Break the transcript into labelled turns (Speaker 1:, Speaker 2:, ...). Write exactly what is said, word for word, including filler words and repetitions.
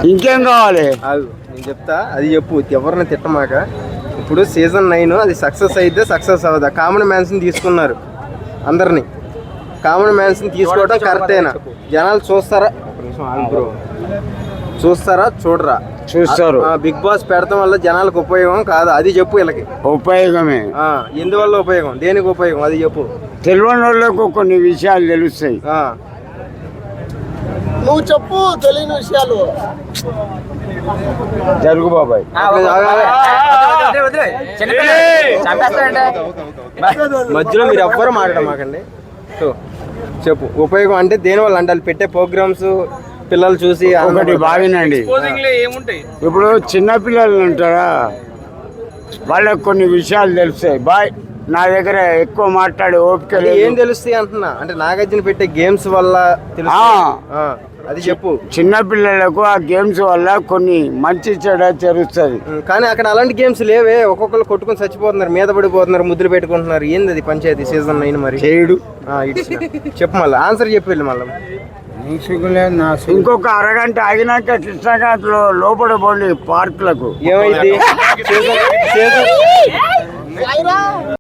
Speaker 1: ఇంకేం కావాలి?
Speaker 2: ఆగు, నేను చెప్తా, అది చెప్పు. ఎవరిని తిట్టమాక. ఇప్పుడు సీజన్ నైన్ అది సక్సెస్ అయితే సక్సెస్ అవ్వదా? కామన్ మ్యాన్స్ని తీసుకున్నారు అందరినీ. కామన్ మ్యాన్స్ని తీసుకోవడం కరెక్టేనా? జనాలు చూస్తారా? ఒక నిమిషం ఆగు బ్రో. చూస్తారా చూడరా?
Speaker 1: చూస్తారు.
Speaker 2: బిగ్ బాస్ పెడతాం వల్ల జనాలకు ఉపయోగం కాదు, అది చెప్పు. వీళ్ళకి
Speaker 1: ఉపయోగమే.
Speaker 2: ఎందువల్ల ఉపయోగం? దేనికి ఉపయోగం అది చెప్పు.
Speaker 1: తెలియని వాళ్ళకు కొన్ని విషయాలు తెలుస్తాయి.
Speaker 3: నువ్వు చెప్పు తెలియని విషయాలు.
Speaker 1: జరుగు బాబాయ్.
Speaker 2: మధ్యలో మీరు ఎవ్వరు మాట్లాడమాకండి. సో చెప్పు, ఉపయోగం అంటే దేనివల్ల అంటే పెట్టే ప్రోగ్రామ్స్ పిల్లలు చూసి
Speaker 1: ఒకటి బాగినండి. ఇప్పుడు చిన్న పిల్లలు ఉంటారా, వాళ్ళకి కొన్ని విషయాలు తెలుస్తాయి. బాయ్, నా దగ్గర ఎక్కువ మాట్లాడే ఓపిక లేదు.
Speaker 2: ఏం తెలుస్తాయి అంటున్నా? అంటే నాగార్జున పెట్టే గేమ్స్ వల్ల తెలుసు, అది చెప్పు.
Speaker 1: చిన్న పిల్లలకు ఆ గేమ్స్ వల్ల కొన్ని మంచి చెడ జరుగుతుంది.
Speaker 2: కానీ అక్కడ అలాంటి గేమ్స్ లేవే. ఒక్కొక్కరు కొట్టుకొని చచ్చిపోతున్నారు, మీద పడిపోతున్నారు, ముద్దులు పెట్టుకుంటున్నారు. ఏంది అది పంచాయతీ సీజన్ నైన్ మరి?
Speaker 1: చేయడు.
Speaker 2: చెప్పు మళ్ళీ, ఆన్సర్ చెప్పి వెళ్ళి మళ్ళీ.
Speaker 1: ఇంకొక అరగంట ఆగినాక కృష్ణాఘాట్లో లోపల పోండి పార్కులకు.
Speaker 2: ఏమైంది?